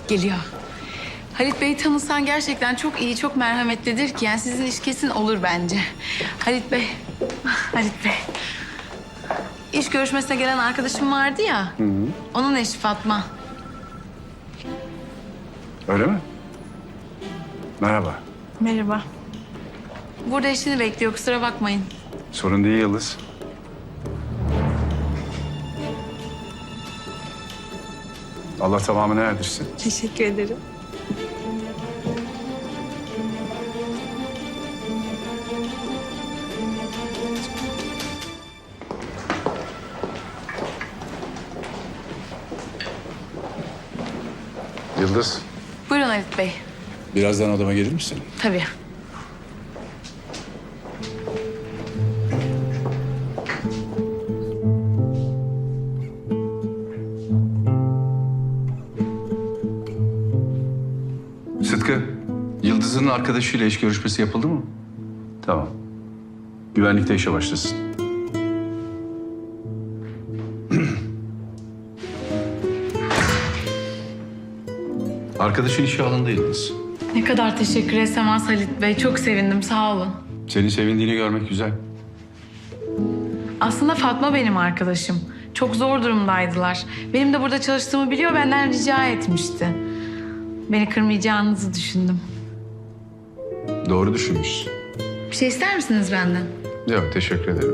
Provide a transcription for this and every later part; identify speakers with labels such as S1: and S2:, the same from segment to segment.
S1: Geliyor. Halit Bey'i tanısan gerçekten çok iyi, çok merhametlidir ki. Yani sizin iş kesin olur bence. Halit Bey, Halit Bey. İş görüşmesine gelen arkadaşım vardı ya. Onun eşi Fatma.
S2: Öyle mi? Merhaba.
S1: Merhaba. Burada eşini bekliyor, kusura bakmayın.
S2: Sorun değil Yıldız. Allah tamamını erdirsin.
S1: Teşekkür ederim.
S2: Yıldız,
S1: Buyurun Halit Bey.
S2: birazdan odama gelir misin?
S1: Tabii.
S2: Sıtkı, Yıldız'ın arkadaşıyla iş görüşmesi yapıldı mı? Tamam. Güvenlikte işe başlasın. Arkadaşın işe alındı Yıldız.
S1: Ne kadar teşekkür etsem az Halit Bey. Çok sevindim, sağ olun.
S2: Senin sevindiğini görmek güzel.
S1: Aslında Fatma benim arkadaşım. Çok zor durumdaydılar. Benim de burada çalıştığımı biliyor, benden rica etmişti. Beni kırmayacağınızı düşündüm.
S2: Doğru düşünmüşsün.
S1: Bir şey ister misiniz benden?
S2: Yok, teşekkür ederim.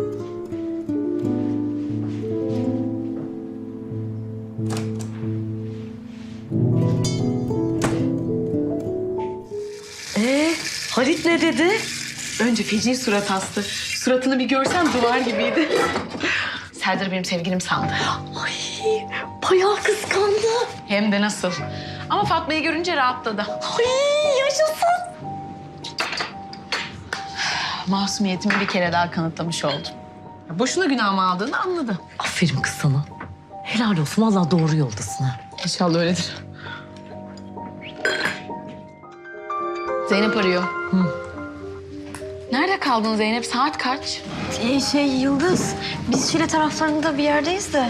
S1: Halit ne dedi? Önce feci surat astı. Suratını bir görsen duvar gibiydi. Serdar benim sevgilim sandı.
S3: Ay, bayağı kıskandı.
S1: Hem de nasıl. Ama Fatma'yı görünce rahatladı.
S3: Ay, yaşasın.
S1: Masumiyetimi bir kere daha kanıtlamış oldum. Boşuna günahımı aldığını anladı.
S3: Aferin kız sana. Helal olsun, vallahi doğru yoldasın ha.
S1: İnşallah öyledir. Zeynep arıyor. Nerede kaldın Zeynep? Saat kaç?
S3: Yıldız, biz Şile taraflarında bir yerdeyiz de.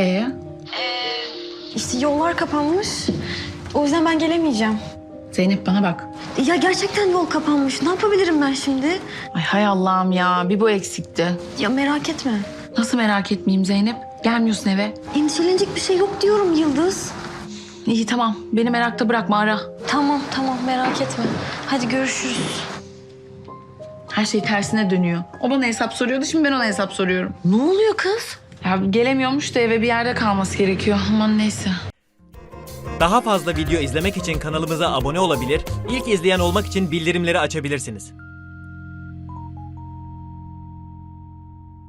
S3: İşte yollar kapanmış. O yüzden ben gelemeyeceğim.
S1: Zeynep bana bak.
S3: Ya gerçekten yol kapanmış. Ne yapabilirim ben şimdi?
S1: Ay hay Allah'ım ya. Bir bu eksikti.
S3: Ya merak etme.
S1: Nasıl merak etmeyeyim Zeynep? Gelmiyorsun eve.
S3: Endişelenecek bir şey yok diyorum Yıldız.
S1: İyi tamam. Beni merakta bırakma, ara.
S3: Tamam merak etme. Hadi görüşürüz.
S1: Her şey tersine dönüyor. O bana hesap soruyordu, şimdi ben ona hesap soruyorum.
S3: Ne oluyor kız?
S1: Ya gelemiyormuş da eve bir yerde kalması gerekiyor. Aman neyse.
S4: Daha fazla video izlemek için kanalımıza abone olabilir, ilk izleyen olmak için bildirimleri açabilirsiniz.